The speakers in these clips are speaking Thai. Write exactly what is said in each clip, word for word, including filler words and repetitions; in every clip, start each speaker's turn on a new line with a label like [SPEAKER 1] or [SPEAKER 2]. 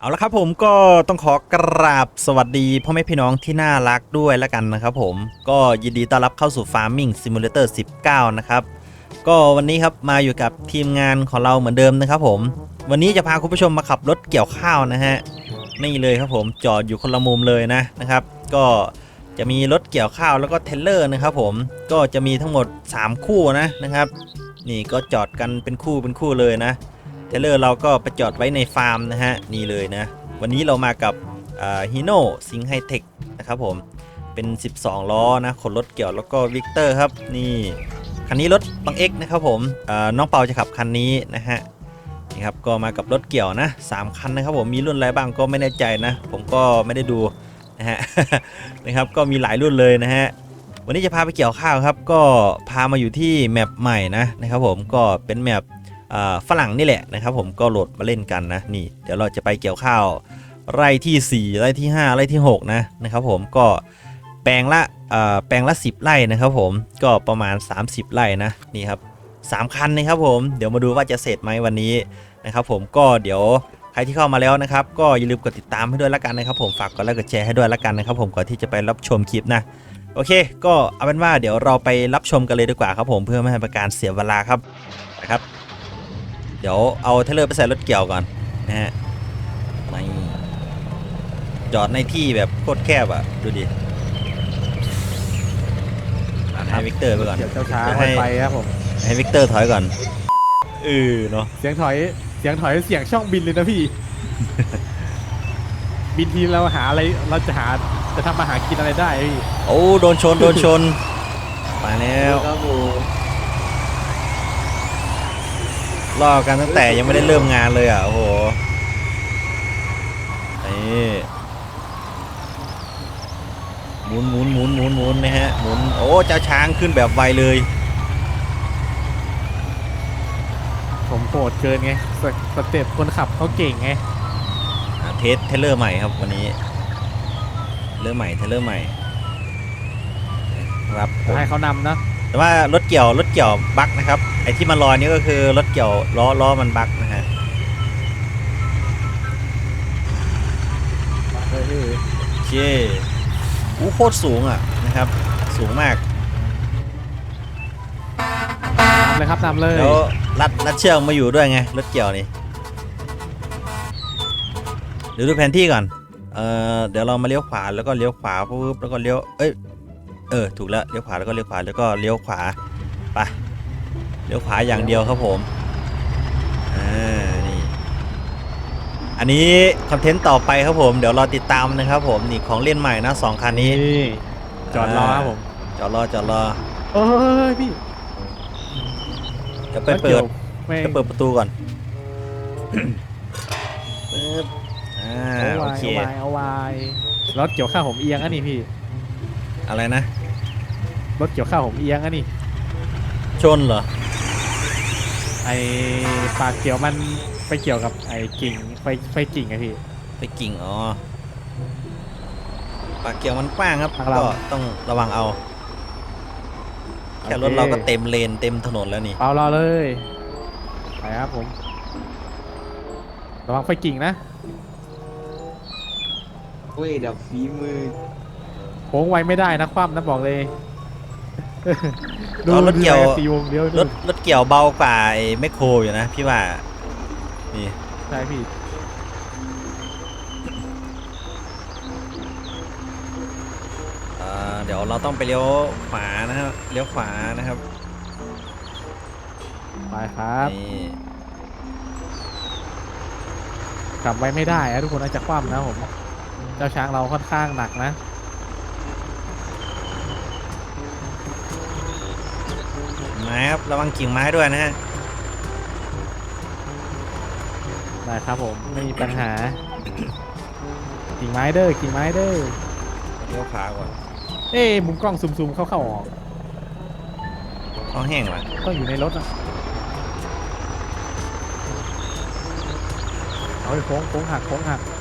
[SPEAKER 1] เอาละครับผมก็ต้องขอกราบสวัสดีพ่อแม่พี่น้องที่น่ารักด้วยแล้วกันนะครับผมก็ยินดีต้อนรับเข้าสู่ Farming Simulator สิบเก้านะครับก็วันนี้ครับมาอยู่กับทีมงานของเราเหมือนเดิมนะครับผมวันนี้จะพาคุณผู้ชมมาขับรถเกี่ยวข้าวนะฮะนี่เลยครับผมจอดอยู่คนละมุมเลยนะนะครับก็จะมีรถเกี่ยวข้าวแล้วก็เทรลเลอร์นะครับผมก็จะมีทั้งหมดสามคู่นะนะครับนี่ก็จอดกันเป็นคู่เป็นคู่เลยนะเทรลเลอร์เราก็ไปจอดไว้ในฟาร์มนะฮะนี่เลยนะวันนี้เรามากับฮีโน่ซิงไฮเทคนะครับผมเป็นสิบสองล้อนะขนรถเกี่ยวแล้วก็วิกเตอร์ครับนี่คันนี้รถบังเอ็กนะครับผมน้องเปาจะขับคันนี้นะฮะนี่ครับก็มากับรถเกี่ยวนะสามคันนะครับผมมีรุ่นอะไรบ้างก็ไม่แน่ใจนะผมก็ไม่ได้ดูนะฮะ นะครับก็มีหลายรุ่นเลยนะฮะวันนี้จะพาไปเกี่ยวข้าวครับก็พามาอยู่ที่แมปใหม่นะนะครับผมก็เป็นแมปฝรั่งนี่แหละนะครับผมก็โหลดมาเล่นกันนะนี่เดี๋ยวเราจะไปเกี่ยวข้าวไร่ที่สี่ไร่ที่ห้าไร่ที่หกนะนะครับผมก็แปลงละแปลงละสิบไร่นะครับผมก็ประมาณสามสิบไร่นะนี่ครับสามคันนะครับผมเดี๋ยวมาดูว่าจะเสร็จไหมวันนี้นะครับผมก็เดี๋ยวใครที่เข้ามาแล้วนะครับก็อย่าลืมกดติดตามให้ด้วยละกันนะครับผมฝากกดไลค์กดแชร์ให้ด้วยละกันนะครับผมก่อนที่จะไปรับชมคลิปนะโอเคก็เอาเป็นว่าเดี๋ยวเราไปรับชมกันเลยดีกว่าครับผมเพื่อไม่ให้เป็นการเสียเวลาครับนะครับเดี๋ยวเอาเทรลเลอร์ไปใส่รถเกี่ยวก่อนนะฮะจอดในที่แบบโคตรแคบอ่ะดูดิให้วิกเตอร์ไปก่อน
[SPEAKER 2] เดี๋ยวช้าๆไปครับผม
[SPEAKER 1] ให้วิกเตอร์ถอยก่อนเออเนาะ
[SPEAKER 2] เสียงถอยเสียงถอยเสียงช่องบินเลยนะพี่ บินทีเราหาอะไรเราจะหาจะทำมาหากินอะไรได้พี่
[SPEAKER 1] โอ้โดนชนโดนชนมาแล้วล่อกันตั้งแต่ยังไม่ได้เริ่มงานเลยอ่ะโอ้โหนี่หมุนหมุนหมุนหมุนหมุนนะฮะหมุนโอ้เจ้าช้างขึ้นแบบไวเลย
[SPEAKER 2] ผมโหดเกินไงสสเต็ปคนขับเขาเก่งไง
[SPEAKER 1] เทสเทเลอร์ใหม่ครับวันนี้เทเลอร์ใหม่เทเลอร์ใหม่ครับ
[SPEAKER 2] ให้เขานำนะ
[SPEAKER 1] แต่ว่ารถเกี่ยวรถเกี่ยวบั๊กนะครับไอ้ที่มันลอยนี่ก็คือรถเกี่ยวล้อล้อมันบั๊กนะฮะโอเคอู้โคตรสูงอ่ะนะครับสูงมาก
[SPEAKER 2] นำเลยครับนำเลย
[SPEAKER 1] แล้วรัดรัดเชือกมาอยู่ด้วยไงรถเกี่ยวนี่เดี๋ยวดูแผนที่ก่อนเอ่อเดี๋ยวเรามาเลี้ยวขวาแล้วก็เลี้ยวขวาปุ๊บแล้วก็เลี้ยวเอ้ยเออถูกแล้วเลี้ยวขวาแล้วก็เลี้ยวขวาแล้วก็เลี้ยวขวาไปเลี้ยวขวาอย่างเดียวครับผมอ่านี่อันนี้คอนเทนต์ต่อไปครับผมเดี๋ยวรอติดตามนะครับผมนี่ของเล่นใหม่นะสองคันนี้
[SPEAKER 2] จอดรอครับผม
[SPEAKER 1] จอดรอจอดรอ
[SPEAKER 2] เอ้ยพี่
[SPEAKER 1] จะไปเปิดจะเปิดประตูก่อนปึ๊บอ่าโอเค
[SPEAKER 2] เอาไว้เอาไว้รถเกี่ยวข้าวผมเอียงอ่ะนี่พี่
[SPEAKER 1] อะไรนะ
[SPEAKER 2] รถเกี่ยวข้าวผมเอียงอ่ะนี่
[SPEAKER 1] ชนเหรอ
[SPEAKER 2] ไอปากเกี่ยวมันไปเกี่ยวกับไอกิ่งไฟไฟกิ่งไงพี่
[SPEAKER 1] ไปกิ่งอ๋อปากเกี่ยวมันกว้างครับก็ต้องระวังเอาแค่รถเราก็เต็มเลนเต็มถนนแล้วนี่
[SPEAKER 2] เปล่ารอเลยไปครับผมระวังไฟกิ่งนะ
[SPEAKER 3] เว้ยเดี๋ยวฝีมือ
[SPEAKER 2] โค้งไวไม่ได้นะคว่ำนะบอกเลย
[SPEAKER 1] ดูรถเกี่ยวรถรถเกี่ยวเบากว่าไอ้แมคโครอยู่นะพี่ว่านี่
[SPEAKER 2] ใช่พี่
[SPEAKER 1] เดี๋ยวเราต้องไปเลี้ยวขวานะครับเลี้ยวขวานะครับ
[SPEAKER 2] ไปครับกลับไว้ไม่ได้อะทุกคนน่าจะคว่ำนะผมเจ้าช้างเราค่อนข้างหนักนะ
[SPEAKER 1] ไม้ครับระวังกิ่งไม้ด้วยนะฮะ
[SPEAKER 2] ได้ครับผมไม่มีปัญหากิ่งไม้เด้อกิ่งไม้เด้อ
[SPEAKER 1] เลี้ยวขวาก่อน
[SPEAKER 2] เอ๊มุมกล้องซูมๆเข้าๆออก
[SPEAKER 1] ต้องแห้งว่ะ
[SPEAKER 2] ต้องอยู่ในรถอ่ะเอาไปโค้งโค้งหักโค้งหัก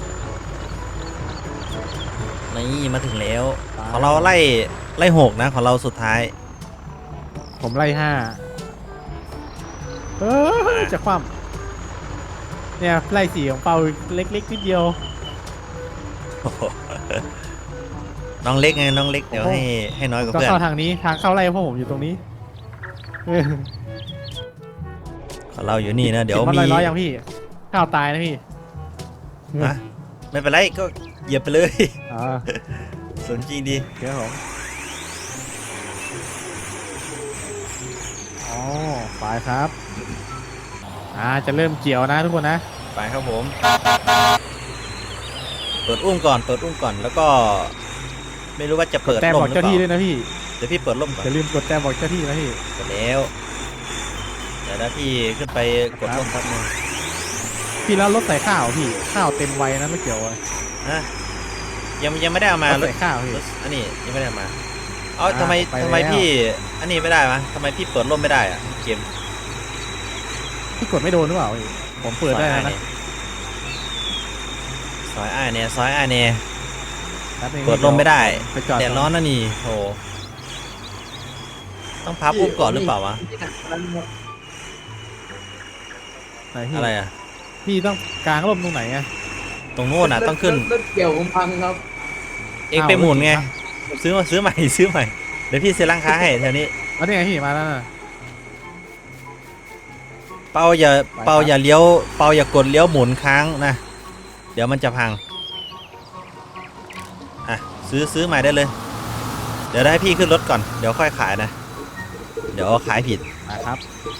[SPEAKER 1] นี่มาถึงแล้วของเราไล่ไล่หกนะของเราสุดท้าย
[SPEAKER 2] ผมไล่ห้าเออจะคว่เนี่ยไล่สีของเปาเล็กๆนิดเดียว
[SPEAKER 1] โอ้โหน้องเล็กไงน้องเล็กเดี๋ยวให้ให้น้อยกว่า
[SPEAKER 2] ก็
[SPEAKER 1] เพื่อน
[SPEAKER 2] เข้าทางนี้ทางเข้าไล่พวกผมอยู่ตรงนี้เออ
[SPEAKER 1] ของเราอยู่นี่นะเดี๋ยว
[SPEAKER 2] ติมัน
[SPEAKER 1] มี
[SPEAKER 2] ร้อยๆยังพี่ข้าวตายนะพี่
[SPEAKER 1] นะไม่เป็นไรก็เหยียบไปเลย
[SPEAKER 2] อ่า
[SPEAKER 1] สนจริงดี
[SPEAKER 2] เดี๋ยวผมอ๋อไปครับอ่าจะเริ่มเกี่ยวนะทุกคนนะ
[SPEAKER 1] ไปครับผมเปิดอุ้มก่อนเปิดอุ้มก่อนแล้วก็ ไม่รู้ว่าจะเปิด
[SPEAKER 2] แต่
[SPEAKER 1] ร่
[SPEAKER 2] บ
[SPEAKER 1] ม
[SPEAKER 2] อก
[SPEAKER 1] หรือ
[SPEAKER 2] เจ้า
[SPEAKER 1] เป
[SPEAKER 2] ที่
[SPEAKER 1] ล่า
[SPEAKER 2] ด้วยนะพี่
[SPEAKER 1] เดี๋ยวพี่เปิดร่มก่อน
[SPEAKER 2] อย่าลืมกดแต่บอกเจ้าที่นะพี่
[SPEAKER 1] กดแล้วเดี๋ยวนะพี่ขึ้นไปกดร่มแป๊บนึง
[SPEAKER 2] พี่แล้วรถใส่ข้าวพี่ข้าวเต็มไวนะไม่เกี่ยวอะ
[SPEAKER 1] นะยังยังไม่ได้เอามาร
[SPEAKER 2] ถใส่ข้าวพี่
[SPEAKER 1] รถอันนี้ยังไม่ได้เอามาเอ๋อ
[SPEAKER 2] อ่า
[SPEAKER 1] ทำไม
[SPEAKER 2] ไป
[SPEAKER 1] ทำไม
[SPEAKER 2] แล้ว
[SPEAKER 1] พี่อันนี้ไม่ได้มะทำไมพี่เปิดร่มไม่ได้อะเกม
[SPEAKER 2] พี่กดไม่โดนหรือเปล่าพี่ผมเปิดได้แล้วนะ
[SPEAKER 1] ซอยอ้ายเนี่ยซอยอ้ายเนี่ย
[SPEAKER 2] แป๊บนึง
[SPEAKER 1] เปิดลมไม่ได้
[SPEAKER 2] ไปจอด
[SPEAKER 1] แดดร้อนนะนี่โหต้องพับอุ้มก่อนหรือเปล่าวะ
[SPEAKER 2] ไหนพี่
[SPEAKER 1] อะไรอ่ะ
[SPEAKER 2] พี่ต้องกางร่มตรงไหนอะ
[SPEAKER 1] ตรงโน้นอ่ะต้องขึ้น
[SPEAKER 3] รถเกี่ยวผมพังครับ
[SPEAKER 1] เองไปหมุนไงซื้อมาซื้อใหม่ซื้อใหม่เดี๋ยวพี่ซื้อร้านค้าให้แถวนี้
[SPEAKER 2] แล้วนี่ไงพี่มาแล้วนะ
[SPEAKER 1] เปาอย่า
[SPEAKER 2] ไปครับ
[SPEAKER 1] เปาอย่าเลี้ยวเปาอย่ากดเลี้ยวหมุนค้างนะเดี๋ยวมันจะพังอ่ะซื้อซื้อใหม่ได้เลย เดี๋ยวได้ให้พี่ขึ้นรถก่อนเดี๋ยวค่อยขายนะ เดี๋ยวขายผิด
[SPEAKER 2] มาครับ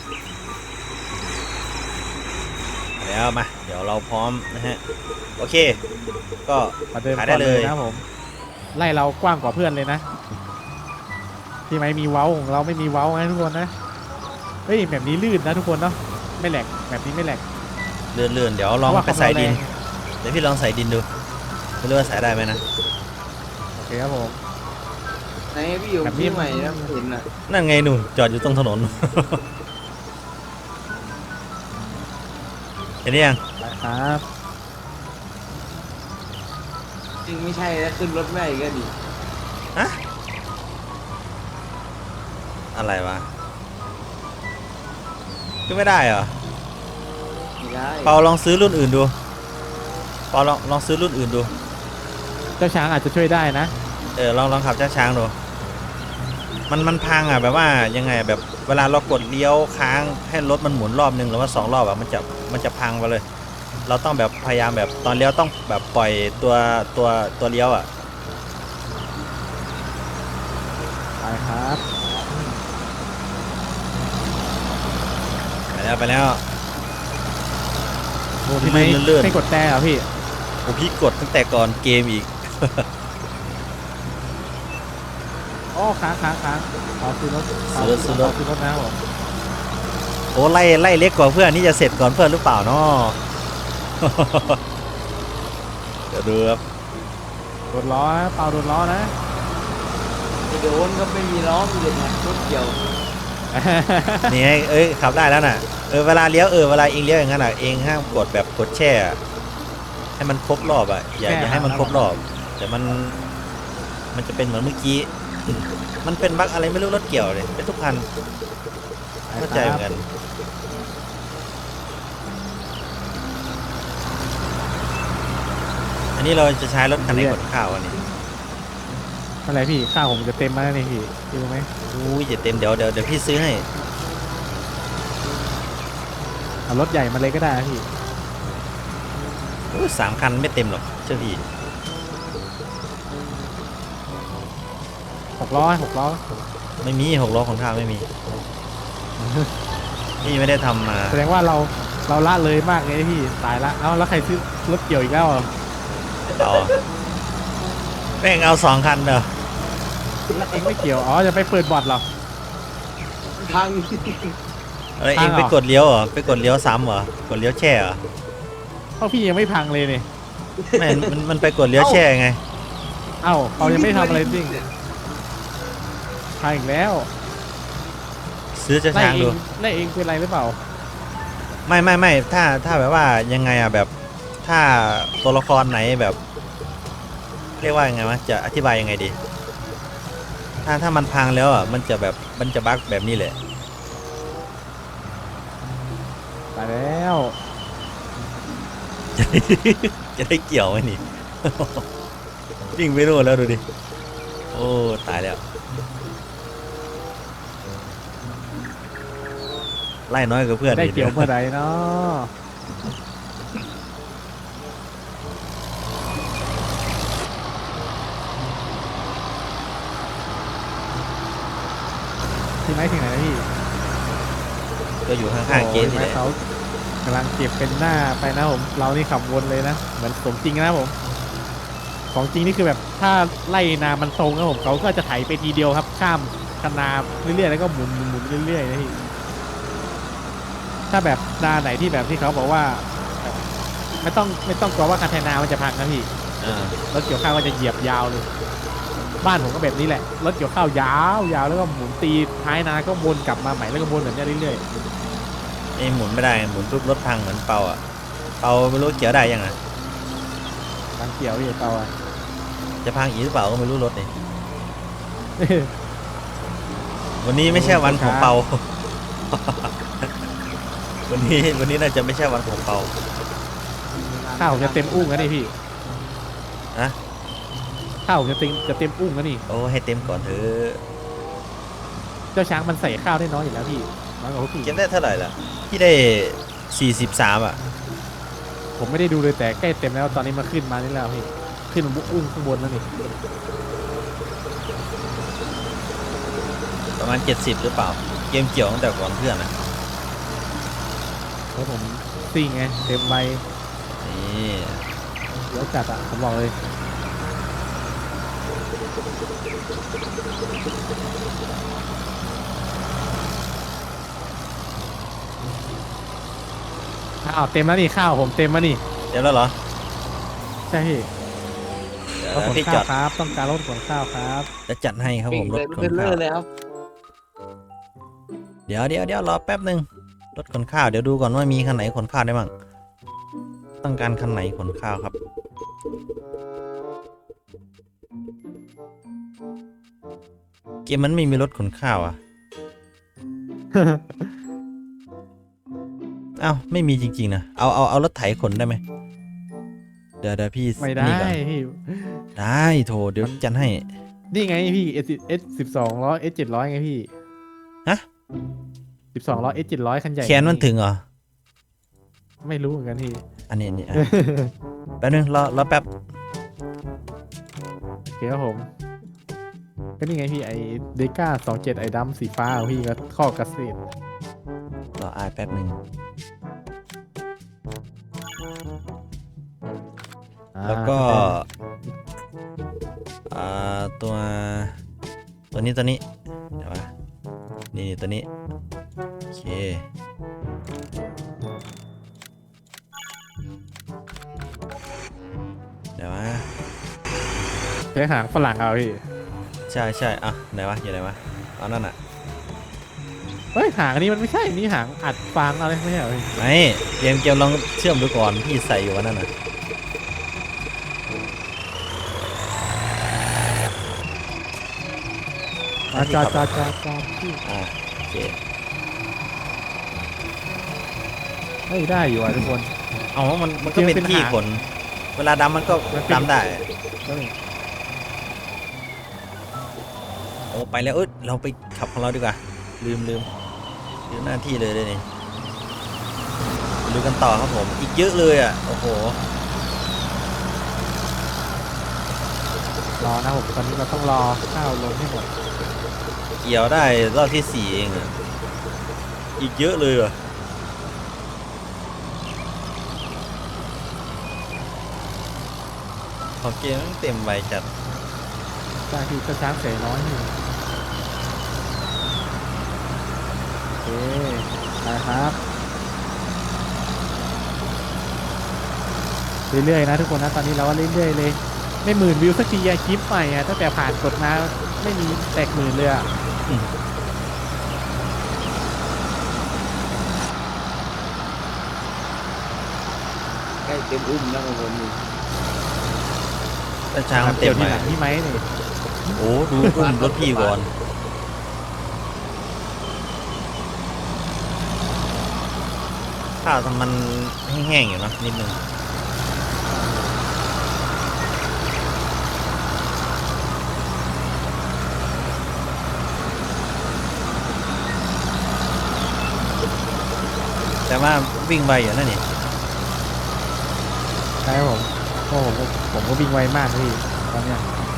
[SPEAKER 1] แล้วมาเดี๋ยวเราพร้อมนะฮะโอเค ก็
[SPEAKER 2] มาเดิน
[SPEAKER 1] ขายได้
[SPEAKER 2] ก่อน
[SPEAKER 1] เลย
[SPEAKER 2] นะผมไล่เรากว้างกว่าเพื่อนเลยนะพี่ไม่มีเว้าของเราไม่มีเว้าไงทุกคนนะเฮ้ยแบบนี้ลื่นนะทุกคนเนาะไม่แหลกแบบนี้ไม่แหลก
[SPEAKER 1] เลื่อนเลื่อนเดี๋ยวลอง
[SPEAKER 2] เพราะว่า
[SPEAKER 1] ไปใส่ดิน
[SPEAKER 2] ความร้อนแรง
[SPEAKER 1] เดี๋ยวพี่ลองใส่ดินดูไม่รู้ว่าใส่ได้ไหมนะ
[SPEAKER 2] โอเคครับผม
[SPEAKER 3] ไหนพี่อยู่
[SPEAKER 2] แบบนี้
[SPEAKER 3] ที่ใหม่นะผมเห็นอ่ะ
[SPEAKER 1] นั่นไงหนูจอดอยู่ตรงถนน เห็นหรือยัง
[SPEAKER 2] ไปครับ
[SPEAKER 3] จริงไม่ใช่แล้วขึ้นรถไม่ได้ก็ดิ
[SPEAKER 1] อะอะไรวะขึ้นไม่ได้เหรอ
[SPEAKER 3] ไม่ได้
[SPEAKER 1] เปาลองซื้อรุ่นอื่นดูเปาลองลองซื้อรุ่นอื่นดู
[SPEAKER 2] เจ้าช้างอาจจะช่วยได้นะ
[SPEAKER 1] เออลองลองขับช้าช้างดูมันมันพังอ่ะแบบว่ายังไงอะแบบเวลาเรากดเลี้ยวค้างให้รถมันหมุนรอบนึงหรือว่าสองรอบอ่ะมันจะมันจะพังไปเลย เราต้องแบบพยายามแบบตอนเลี้ยวต้องแบบปล่อยตัวตัวตัวเลี้ยวอ่ะ
[SPEAKER 2] ไปครับ
[SPEAKER 1] ไปแล้วไปแล้ว
[SPEAKER 2] โอ้พี่ไม่
[SPEAKER 1] เลื่อนๆ
[SPEAKER 2] ไม่กดแต่เหรอพี่
[SPEAKER 1] โอ้พี่กดตั้งแต่ก่อนเกมอีก
[SPEAKER 2] อ๋อค้างค้างค้างขอซื้อรถข
[SPEAKER 1] ซื้อรถซื้อรถ
[SPEAKER 2] ขซื้อรถนะครับผม
[SPEAKER 1] โอ้ไล่ไล่เล็กกว่าเพื่อนนี่จะเสร็จก่อนเพื่อนหรือเปล่าเนาะ เดี๋ยวดูครับ
[SPEAKER 2] โดนล้อนะเปล่าโดนล้อนะ
[SPEAKER 3] ไม่โดนก็ไม่มีล้อมีแต่รถเกี่ยว
[SPEAKER 1] นี่ไงเอ้ยขับได้แล้วน่ะเออเวลาเลี้ยวเออเวลาเองเลี้ยวอย่างนั้นอ่ะเองห้ามกดแบบกดแช่อะให้มันครบรอบอ่ะอย่าอย่าให้มันครบรอบแต่มันมันจะเป็นเหมือนเมื่อกี้ มันเป็นบั๊กอะไรไม่รู้รถเกี่ยวเลยเป็นทุกคันเข้าใจเหมือนกัน อันนี้เราจะใช้รถคันไหนขนข้าวอันนี้
[SPEAKER 2] อะไรพี่ข้าวผมจะเต็มแล้วนี่พี่พี่รู้ไหม
[SPEAKER 1] อุ้ยจะเต็มเดี๋ยวเดี๋ยวเดี๋ยวพี่ซื้อให้
[SPEAKER 2] เอารถใหญ่มาเลยก็ได้นะพี่
[SPEAKER 1] อุ้ยสามคันไม่เต็มหรอกเชื่อพี่
[SPEAKER 2] หกล้อหกล้อ
[SPEAKER 1] ไม่มีหกล้อขนข้าวไม่มี พี่ไม่ได้ทำมา
[SPEAKER 2] แสดงว่าเราเราละเลยมากเลยพี่ตายละเอ้าแล้วใครซื้อรถเกี่ยวอีกแล้วอ่ะ
[SPEAKER 1] ต่อแม่งเอาสองคันเด้อ
[SPEAKER 2] แล้วเองไม่เกี่ยวอ๋อจะไปเปิดบอร์ดเหรอ
[SPEAKER 3] พัง
[SPEAKER 1] อะไร
[SPEAKER 2] พั
[SPEAKER 1] เอง
[SPEAKER 2] งเหรอ
[SPEAKER 1] ไปกดเลี้ยวเหรอไปกดเลี้ยวซ้ำเหรอ กดเลี้ยวแช่เหรอ
[SPEAKER 2] เพราะพี่ยังไม่พังเลยนี่
[SPEAKER 1] ไม่มันมันไปกดเลี้ยวแช่ไง
[SPEAKER 2] เอ้าเขายังไม่ทำอะไรจริงพังอีกแล้ว
[SPEAKER 1] ซื้อจะ
[SPEAKER 2] ไล่
[SPEAKER 1] ช้าง
[SPEAKER 2] เอ
[SPEAKER 1] ดู
[SPEAKER 2] งไล่เองเป็นไรหรือเปล่า
[SPEAKER 1] ไม่ไม่ไม่ถ้าถ้าแบบว่ายังไงอ่ะแบบถ้าตัวละครไหนแบบ เรียกว่ายังไงวะจะอธิบายยังไงดี ถ้าถ้ามันพังแล้วอ่ะมันจะแบบมันจะบั๊กแบบนี้แหละ
[SPEAKER 2] ตายแล้ว
[SPEAKER 1] จะได้เกี่ยวไหมนี่ วิ่งไปนู่นแล้วดูดิโอ้ตายแล้วไล่น้อยกับเพื่อน
[SPEAKER 2] ได้
[SPEAKER 1] อี
[SPEAKER 2] เกี่ยวเมื่อไหร่เนาะที่ไหนถึงไหนนะพี่
[SPEAKER 1] ก็อยู่ข้างๆเกม
[SPEAKER 2] โอ้
[SPEAKER 1] นี่
[SPEAKER 2] ย
[SPEAKER 1] แหละ
[SPEAKER 2] เขากำลังเก็บเป็นหน้าไปนะผมเรานี่ขับวนเลยนะเหมือนสมจริงนะผมของจริงนี่คือแบบถ้าไล่นามันตรงนะผมเขาก็จะไถไปทีเดียวครับข้ามคันนาเรื่อยๆแล้วก็หมุนหมุนหมุนเรื่อยๆนะพี่ถ้าแบบนาไหนที่แบบที่เขาบอกว่าแบบไม่ต้องไม่ต้องกลัวว่าคันไถนามันจะพังนะพี่
[SPEAKER 1] อ่าร
[SPEAKER 2] ถเกี่ยวข้าวก็จะเหยียบยาวเลย บ้านผมก็แบบนี้แหละรถเกี่ยวข้าวยาวยาวแล้วก็หมุนตีท้ายนาก็วนกลับมาใหม่แล้วก็วนแบบนี้เรื่อย
[SPEAKER 1] ไอ้หมุนไม่ได้หมุนปุ๊บรถพังเหมือนเปาอ่ะเปาไม่รู้เกี่ยวได้ยังไง
[SPEAKER 2] ๆทางเกี่ยวพี่เปาอ่ะ
[SPEAKER 1] จะพังอีกหรือเปล่าก็ไม่รู้รถนี่วันนี้ไม่ใช่วันของเปา วันนี้วันนี้น่าจะไม่ใช่วันของเปา
[SPEAKER 2] ข้าวผมจะเต็มอุ้งแล้วนี่พี่
[SPEAKER 1] นะ
[SPEAKER 2] ข้าวผมจะเต็มจะเต็มอุ้งแล้วนี่
[SPEAKER 1] โอ้ให้เต็มก่อนเถอะ
[SPEAKER 2] เจ้าช้างมันใส่ข้าวได้น้อยอยู่แล้วพี่น้อยกว่าพวกพี่
[SPEAKER 1] เก็บได้เท่าไหร่ล่ะพี่ได้สี่สิบสามอ่ะ
[SPEAKER 2] ผมไม่ได้ดูเลยแต่ใกล้เต็มแล้วตอนนี้มาขึ้นมานี่แล้วพี่ขึ้นมาอุ้งข้างบนแล้วนี่
[SPEAKER 1] ประมาณเจ็ดสิบหรือเปล่าเกมเกี่ยวตั้งแต่ก่อนเพื่อนอ่ะ
[SPEAKER 2] แล้วผมซิ่งไงเต็มใบ
[SPEAKER 1] นี่
[SPEAKER 2] เดี๋ยวจัดอ่ะผมบอกเลยข้าวเต็มแล้วนี่ข้าวผมเต็มแล้วนี่
[SPEAKER 1] เดี๋ยวแล้วเหรอ
[SPEAKER 2] ใช่พี่
[SPEAKER 1] เดี๋ยว
[SPEAKER 2] รถขน
[SPEAKER 1] พี่จ
[SPEAKER 2] ข้า
[SPEAKER 1] อ
[SPEAKER 2] ว
[SPEAKER 1] ด
[SPEAKER 2] ครับต้องการรถขนข้าวครับ
[SPEAKER 1] จะจัดให้ครับผมรถ
[SPEAKER 3] เป็น
[SPEAKER 1] ข
[SPEAKER 3] เป็น
[SPEAKER 1] น
[SPEAKER 3] เล
[SPEAKER 1] ข้า
[SPEAKER 3] อ
[SPEAKER 1] ว
[SPEAKER 3] ร์เลยครับ
[SPEAKER 1] เดี๋ยวเดี๋ยวเดี๋ยวรอแป๊บหนึ่งรถขนข้าวเดี๋ยวดูก่อนว่ามีคันไหนขนข้าวได้บ้างต้องการคันไหนขนข้าวครับเกมมันไม่มีรถขนข้าวอ่ะ เอ้าไม่มีจริงๆนะเอาเอาเอารถไถขนได้ไหมเดี๋ยวเดี๋ยวพี่
[SPEAKER 2] ไม่ได้
[SPEAKER 1] นี่ก่อน
[SPEAKER 2] พี่
[SPEAKER 1] ได้โถเดี๋ยวจัดให้
[SPEAKER 2] นี่ไงพี่ S S สิบสองร้อย S เจ็ดร้อยไงพี่
[SPEAKER 1] ฮะ
[SPEAKER 2] สิบสองร้อย S เจ็ดร้อยคันใหญ่
[SPEAKER 1] แขนมันถึงเหรอ
[SPEAKER 2] ไม่รู้เหมือนกันพี่
[SPEAKER 1] อันนี้อันนี้อ่ะ แป๊บนึงรอรอแป๊บ
[SPEAKER 2] โอเคครับผม ก็นี่ไงพี่ไอเดก้าสองเจ็ดไอดำสีฟ้าของพี่ก็ข้อกระสี
[SPEAKER 1] รออายแป๊บหนึ่งแล้วก็อ่าตัวตัวนี้ตัวนี้เดี๋ยวว่านี่ตัวนี้โอเคเดี๋ยวว่า
[SPEAKER 2] ใช้หางฝรั่งเอาพี่
[SPEAKER 1] ใช่ใช่อ่ะไหนวะอยู่ไหนวะเอานั่นอ่ะ
[SPEAKER 2] เฮ้ยหางอันนี้มันไม่ใช่นี่หางอัดฟางอะไรไม่ใช่เหรอพี่
[SPEAKER 1] ไม่เกมเกมลองเชื่อมดูก่อนพี่ใส่อยู่ว่านั่นน่ะ
[SPEAKER 2] อ่ะจอดจอดจอดจอดพี่
[SPEAKER 1] อ่าโอเค
[SPEAKER 2] เฮ้ยได้อยู่อ่ะทุกคน
[SPEAKER 1] เอามันมันก็เป็นที่ขนเวลาดำมันก็ดำได้
[SPEAKER 2] เฮ้ย
[SPEAKER 1] โอ้ไปแล้วเอ้ยเราไปขับของเราดีกว่าลืมลืมลืมหน้าที่เลยเลยนี่ดูกันต่อครับผมอีกเยอะเลยอ่ะโอ้โห
[SPEAKER 2] รอนะผมตอนนี้เราต้องรอข้าวลงให้หมด
[SPEAKER 1] เกี่ยวได้รอบที่สี่เองอ่ะอีกเยอะเลยอ่ะของเกมมันเต็มใบจัด
[SPEAKER 2] ใช่พี่เจ้าช้างเสยน้อยนี่โอเคได้ครับเรื่อยๆนะทุกคนนะตอนนี้เราก็เรื่อยๆเลยไม่หมื่นวิวสักทีอะคลิปใหม่อะตั้งแต่ผ่านกดมาไม่มีแตกหมื่นเลยอะ
[SPEAKER 3] ใกล้เต็มอุ้มแล้วของผมนี่
[SPEAKER 1] แต่ช้างมันเต็
[SPEAKER 2] เดี๋
[SPEAKER 1] ม
[SPEAKER 2] ยว
[SPEAKER 1] ไป
[SPEAKER 2] ทีหลังพี่ไหมนี่
[SPEAKER 1] โอ้ดูอุ้มรถพี่ก่อนข้าวทำมันแห้งๆอยู่เนอะนิดนึงว่าวิ่งไวอยู่นั่นนี่
[SPEAKER 2] ใช่ครับผมโอ้ผมก็ผมก็วิ่งไวมากพี่ตอนเนี้ย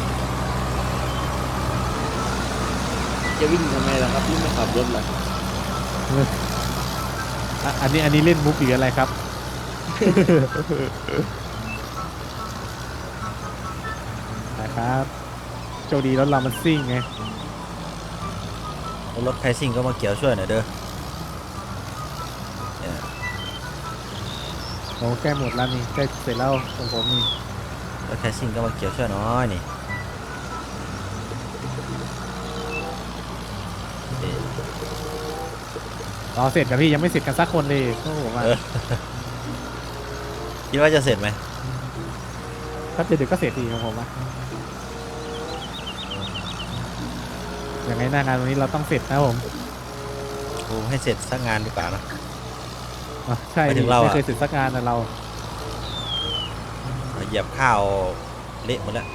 [SPEAKER 3] จะวิ่งทำไมล่ะครับที่ไม่ขับรถล่ะ
[SPEAKER 2] อ่ะอันนี้อันนี้เล่นมุกหรืออะไรครับ นะครับโชคดีรถเรามันซิ่งไง
[SPEAKER 1] รถใครซิ่งก็มาเกี่ยวช่วยหน่อยเด้อเนี่ย
[SPEAKER 2] โอ้แก้หมดแล้วนี่ใกล้เสร็จแล้วของผมนี่
[SPEAKER 1] รถใครซิ่งก็มาเกี่ยวช่วยน้อยนี่เอ๊ะ
[SPEAKER 2] รอเสร็จกับพี่ยังไม่เสร็จกันสักคนเลยโอ้โหมา
[SPEAKER 1] เออ คิดว่าจะเสร็จไหม
[SPEAKER 2] ถ้าเด็กๆก็เสร็จดีของผมอะยังไงหน้างานวันนี้เราต้องเสร็จนะผม
[SPEAKER 1] โอ้ให้เสร็จสักงานดีกว่านะ
[SPEAKER 2] อ่ะใช่
[SPEAKER 1] หมายถึ
[SPEAKER 2] ดิ
[SPEAKER 1] งเราอะ
[SPEAKER 2] ไม่เคยเสร็จสักงานนะเรา
[SPEAKER 1] เหยียบข้าวเละหมดแล้ว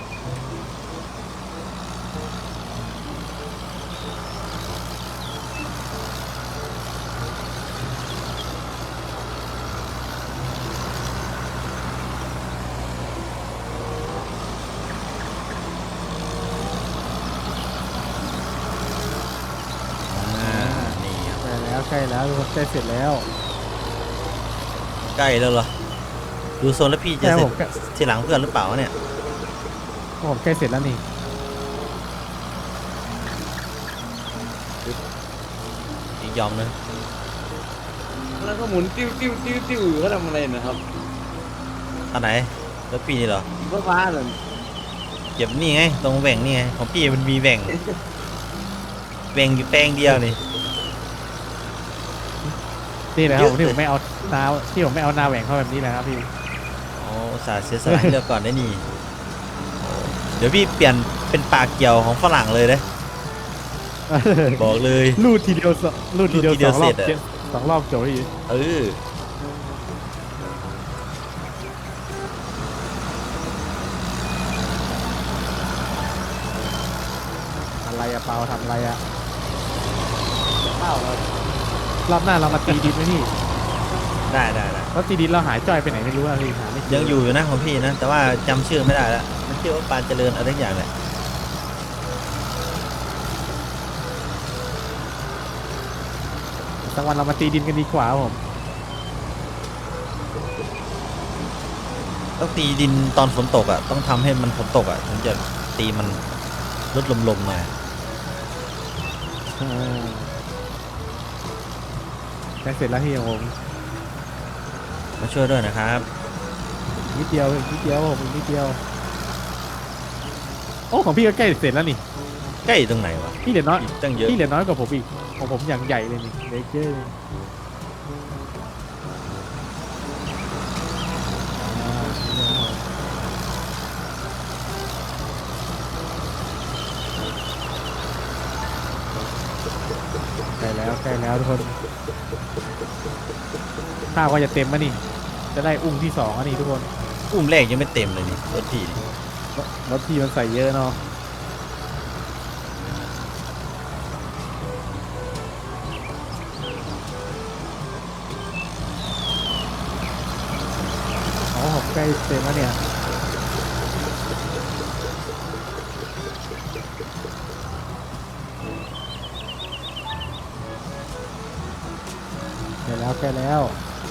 [SPEAKER 1] อ่านี่ครับ
[SPEAKER 2] ใช่แล้วใช่แล้วทุกคนใกล้เสร็จแล้ว
[SPEAKER 1] ใกล้แล้วเหรอดูโซนแล้วพี่จะ
[SPEAKER 2] ใช่
[SPEAKER 1] เสร็
[SPEAKER 2] ผ
[SPEAKER 1] จ
[SPEAKER 2] มใกล้
[SPEAKER 1] ทีหลังเพื่อนหรือเปล่าเนี่ย
[SPEAKER 2] ผมใกล้เสร็จแล้วนี่
[SPEAKER 1] อีกยอมนึง
[SPEAKER 3] แล้วก็หมุนติ้วติ้วติ้วติ้วเขาทำอะไรนะครับ
[SPEAKER 1] อันไหนแล้วพี่นี่เหรอ
[SPEAKER 3] ฟ้าฟ้าเลย
[SPEAKER 1] เก็บนี่ไงตรงแหว่งนี่ไงของพี่มันมีแหว่งแหว่งอยู่แปลงเดียวนี่
[SPEAKER 2] นี่แหละครับ
[SPEAKER 1] เย
[SPEAKER 2] ผ
[SPEAKER 1] อะ
[SPEAKER 2] มที่ผมไม่เอานาที่ผมไม่เอานาแหว่งเข้าแบบนี้แหละครับพี่
[SPEAKER 1] โอ้อุตสาห์เสียสละให้เลือกก่อนได้นี่โอ้เดี๋ยวพี่เปลี่ยนเป็นปากเกี่ยวของฝรั่งเลยเด้บอกเลย
[SPEAKER 2] รูดทีเดียวสองรูดทีเดียว
[SPEAKER 1] รูดทีเดี
[SPEAKER 2] ส
[SPEAKER 1] ยว
[SPEAKER 2] องรอบ
[SPEAKER 1] เสร็จอะ
[SPEAKER 2] เจ็ดสองรอบจบพี่
[SPEAKER 1] เออ
[SPEAKER 2] อะไรอะเปาทำอะไรอะ
[SPEAKER 3] ข้าวเรา
[SPEAKER 2] รอบหน้าเรามาตีดินไหมพี่
[SPEAKER 1] ได้ได้ได้
[SPEAKER 2] แล้วตีดินเราหายจ้อยไปไหนไม่รู้อะพี่หาไม่เจอ
[SPEAKER 1] ยังอยู่อยู่นะของพี่นะ แต่ว่าจำชื่อไม่ได้แล้วมันชื่อว่าปานเจริญอะไรทุกอย่างแหละ
[SPEAKER 2] สักวันเรามาตีดินกันดีกว่าครับผม
[SPEAKER 1] ต้องตีดินตอนฝนตกอ่ะต้องทำให้มันฝนตกอ่ะถึงจะตีมันลดลมๆหน่อย
[SPEAKER 2] เออใกล้เสร็จแล้วพี่ของผม
[SPEAKER 1] มาช่วยด้วยนะครับ
[SPEAKER 2] นิดเดียวอีกนิดเดียวผมอีกนิดเดียวโอ้ของพี่ก็ใกล้เสร็จแล้วนี่
[SPEAKER 1] ใกล้ตรงไหนวะ
[SPEAKER 2] พี่เหลือน้อย
[SPEAKER 1] อีกตั้งเยอะ
[SPEAKER 2] พี่เหลือน้อยกว่าผมอีกของผมอย่างใหญ่เลยนี่เล็กเยอะเลยอ่าใกล้แล้วใกล้แล้วทุกคนข้าวก็จะเต็มแล้วนี่จะได้อุ้งที่สองแล้วนี่ทุกคน
[SPEAKER 1] อุ้มแรกยังไม่เต็มเลยนี่รถพี่นี่
[SPEAKER 2] รถพี่มันใส่เยอะเนาะโอ้ผมใกล้เต็มแล้วเนี่ยใกล้แล้วใกล้แล้ว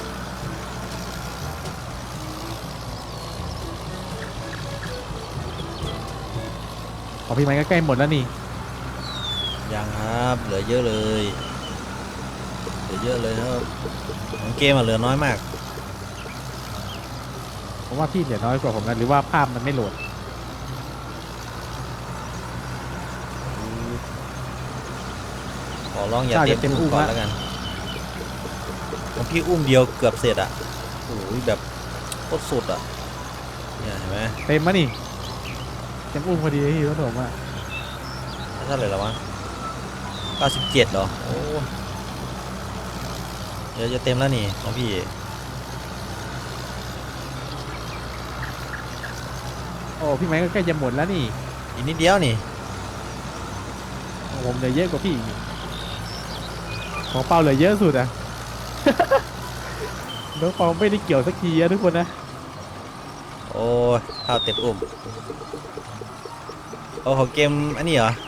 [SPEAKER 2] ของพี่ไม้ก็ใกล้หมดแล้วนี่
[SPEAKER 1] ยังครับเหลือเยอะเลยเหลือเยอะเลยครับของเกมอะเหลือน้อยมาก
[SPEAKER 2] ผมว่าพี่เหลือน้อยกว่าผมนะหรือว่าภาพมันไม่โหลด
[SPEAKER 1] ขอร้องอย่า
[SPEAKER 2] เจ้า
[SPEAKER 1] เต็
[SPEAKER 2] จะ
[SPEAKER 1] ม
[SPEAKER 2] เต็ม
[SPEAKER 1] อุ้
[SPEAKER 2] อุ้
[SPEAKER 1] ม
[SPEAKER 2] ม
[SPEAKER 1] ก่อน
[SPEAKER 2] ละ
[SPEAKER 1] แล้วกันของพี่อุ้มเดียวเกือบเสร็จอ่ะโอ้ยแบบโคตรสุดอ่ะเนี่ยเห็นไหม
[SPEAKER 2] เต็มมะนี่เต็มอุ้มพอดีเลยพี่รถผมอะ
[SPEAKER 1] เท่าไหร่แล้ววะเก้าสิบเจ็ดเหรอโอ้เดี๋ยวจะเต็มแล้วนี่ของพี่
[SPEAKER 2] โอ้พี่ไม้ก็ใกล้จะหมดแล้วนี่
[SPEAKER 1] อีกนิดเดียวนี่
[SPEAKER 2] ของผมเหลือเยอะกว่าพี่อีกของเปาเหลือเยอะสุดอะน้องเปาไม่ได้เกี่ยวสักทีอะทุกคนนะ
[SPEAKER 1] โอ้ยข้าวเต็มอุ้มโอ้ของเกมอันนี้เหรอ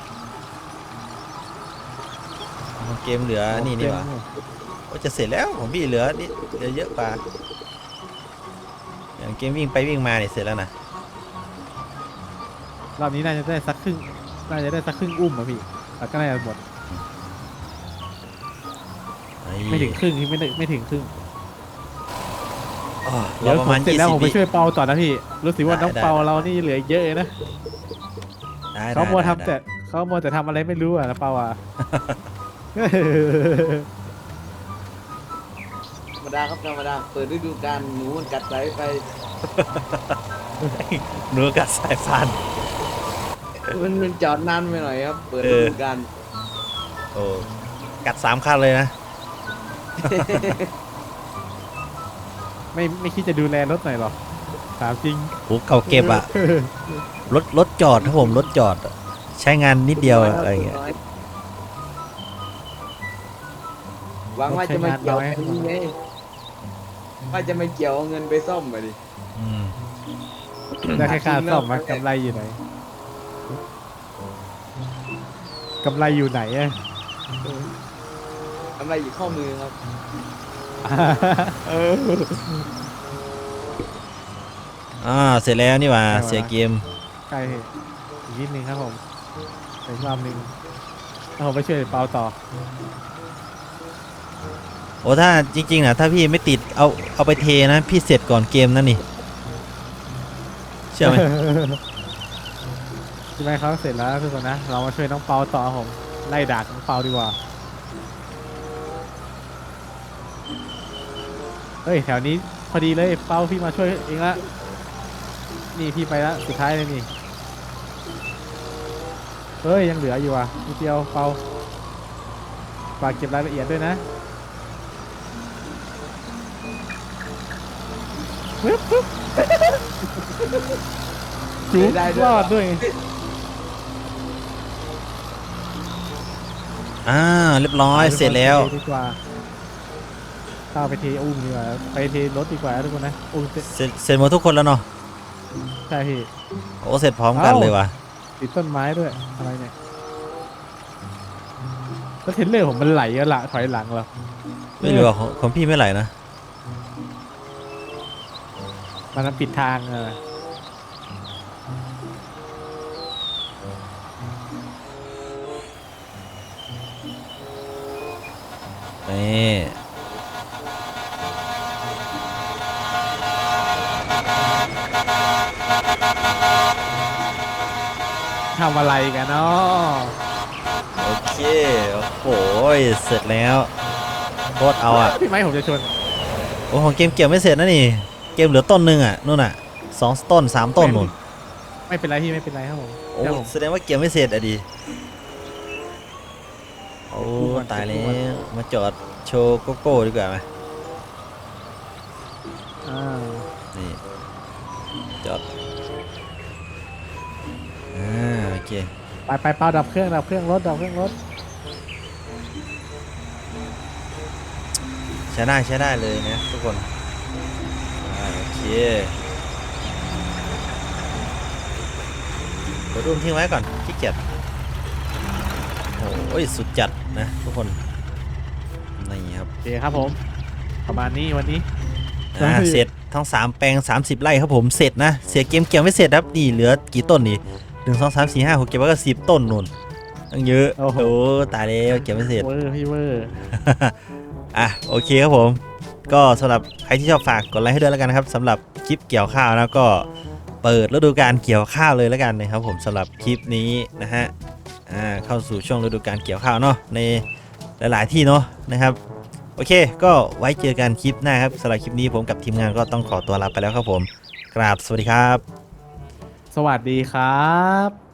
[SPEAKER 1] ของเกมเหลืออันนี้นี่หวะโอ้จะเสร็จแล้วของพี่เหลือนี่เหลือเยอะกว่าอย่างเกมวิ่งไปวิ่งมาเนี่ยเสร็จแล้วนะ
[SPEAKER 2] รอบนี้น่าจะได้สักครึ่งน่าจะได้สักครึ่งอุ้มอะพี่แล้วก็น่าจะหมดไม่ถึงครึ่งที่ไม่ได้ไม่ถึงครึ่ง
[SPEAKER 1] อ๋อ
[SPEAKER 2] เดี๋ยว
[SPEAKER 1] เราประ
[SPEAKER 2] ผม
[SPEAKER 1] มาณ
[SPEAKER 2] เสร็จ
[SPEAKER 1] ยี่
[SPEAKER 2] แล้ว
[SPEAKER 1] สิ
[SPEAKER 2] ผ
[SPEAKER 1] บ
[SPEAKER 2] มไป
[SPEAKER 1] วิ
[SPEAKER 2] ช่วยเปาต่อนะพี่รู้สึกว่า
[SPEAKER 1] ได้
[SPEAKER 2] น้อง
[SPEAKER 1] ได้
[SPEAKER 2] เปาเรานี่เหลือเยอะเลยนะ
[SPEAKER 1] ได้
[SPEAKER 2] เขามัว
[SPEAKER 1] ได้
[SPEAKER 2] ทำแต่เขามัวแต่ทำอะไรไม่รู้อะนะเปาอะ
[SPEAKER 3] ธรรมดาครับธรรมดาเปิดฤดูกาลหนูมันกัดสายไฟ
[SPEAKER 1] เนื้อกัดสายฟัน
[SPEAKER 3] มันมันจอดนานไปหน่อยครับ เปิด
[SPEAKER 1] เอ
[SPEAKER 3] ฤ
[SPEAKER 1] อ
[SPEAKER 3] ดูกาล
[SPEAKER 1] โอ้กัดสามคันเลยนะ
[SPEAKER 2] ไม่ไม่คิดจะดูแลรถหน่อยหรอถามจริง
[SPEAKER 1] โหเก่าเก็บอะรถรถจอดถ้าผมรถจอดอะใช้งานนิดเดียวอะอะไรเงี้ย
[SPEAKER 3] หวังว่าจะมาเกี่ยวเงินไงว่าจะมาเกี่ยวเอาเงินไปซ่อมมาดิ
[SPEAKER 1] อืม
[SPEAKER 2] ได้แค่ค่าซ่อมมากำไรอยู่ไหนกำไรอยู่ไหนอะ
[SPEAKER 3] ทำอะไรอยู่ข้อมือครับ
[SPEAKER 2] เออ
[SPEAKER 1] อ่าเสร็จแล้วนี่หว่าเสียเกม
[SPEAKER 2] ใกล้อีกนิดนึงครับผมไปอีกรอบนึงแล้วผมไปช่วยเปาต่อ
[SPEAKER 1] โอ้ถ้าจริงๆนะถ้าพี่ไม่ติดเอาเอาไปเทนะ พี่เสร็จก่อนเกมนั่นนี่เชื่อไหม
[SPEAKER 2] ใช่ไหมเขาเสร็จแล้วทุกคนนะเรามาช่วยน้องเปาต่อครับผมไล่ดักน้องเปาดีกว่าเฮ้ยแถวนี้พอดีเลยเปาพี่มาช่วยเองละนี่พี่ไปละสุดท้ายเลยนี่เฮ้ยยังเหลืออยู่อ่ะนิดเดียวเปาฝากเก็บรายละเอียดด้วยนะปึ๊บปึ๊บจุ๊บ
[SPEAKER 3] ได้ด้วย
[SPEAKER 2] รอดด้วย
[SPEAKER 1] อ่าเรียบร้อยเสร็จแล้ว
[SPEAKER 2] ไปเทดีกว่าข้าวไปเทอุ้มดีกว่าไปเทรถดีกว่าทุกคนนะอุ้มเสร็จ
[SPEAKER 1] เสร็จเสร็จหมดทุกคนแล้วเนาะ
[SPEAKER 2] ใช่พี่
[SPEAKER 1] โอ้เสร็จพร้อมกันเลยว่ะ
[SPEAKER 2] ติดต้นไม้ด้วยอะไรเนี่ยแล้วเทรลเลอร์ผมมันไหลอะละถอยหลังเหรอ
[SPEAKER 1] ไม่รู้ว่าของของพี่ไม่ไหลนะ
[SPEAKER 2] มันปิดทางเออ
[SPEAKER 1] นี่
[SPEAKER 2] ทำอะไรกันเนาะ
[SPEAKER 1] โอเคโอ้โหเสร็จแล้วโคตรเอาอ่ะ
[SPEAKER 2] พี่ไม้ผมจะชน
[SPEAKER 1] โอ้ของเกมเกี่ยวไม่เสร็จนะนี่เกมเหลือต้นหนึ่งอ่ะนู่นอ่ะสองต้นสามต้นนู่น
[SPEAKER 2] ไม่เป็นไรพี่ไม่เป็นไรครับผม
[SPEAKER 1] โอ้
[SPEAKER 2] เดี๋ยวผม
[SPEAKER 1] แสดงว่าเกี่ยวไม่เสร็จอ่ะดิโอ้ตายแล้วมาจอดโชว์โกโก้ดีกว่าไหม
[SPEAKER 2] อ่า
[SPEAKER 1] นี่จอดอ่าโอเค
[SPEAKER 2] ไปไปเปาดับเครื่องดับเครื่องรถดับเครื่องรถ
[SPEAKER 1] ใช้ได้ใช้ได้เลยนะทุกคนอ่าโอเคกดอุ้มทิ้งไว้ก่อนขี้เกียจโอ้ยสุดจัดนะทุกคนนี่ครับ
[SPEAKER 2] โอเคครับผมประมาณนี้วันนี้
[SPEAKER 1] อ่าเสร็จทั้งสามแปลงสามสิบไร่ครับผมเสร็จนะเสียเกมเกี่ยวไม่เสร็จครับนี่เหลือกี่ต้นนี่หนึ่งสองสามสี่ห้าหกเก็บไว้ก็สิบต้นนู่นตั้งเยอะโอ้โหตายแล้วเกี่ยวไม่เสร็จ
[SPEAKER 2] เวอร์พี่เวอร์
[SPEAKER 1] อ่ะโอเคครับผมก็สำหรับใครที่ชอบฝากกดไลค์ให้ด้วยแล้วกันนะครับสำหรับคลิปเกี่ยวข้าวนะก็เปิดฤดูกาลเกี่ยวข้าวเลยแล้วกันนะครับผมสำหรับคลิปนี้นะฮะอ่าเข้าสู่ช่วงฤดูกาลเกี่ยวข้าวเนาะในหลายๆที่เนาะนะครับโอเคก็ไว้เจอกันคลิปหน้าครับสำหรับคลิปนี้ผมกับทีมงานก็ต้องขอตัวลาไปแล้วครับผมกราบสวัสดีครับ
[SPEAKER 2] สวัสดีครับ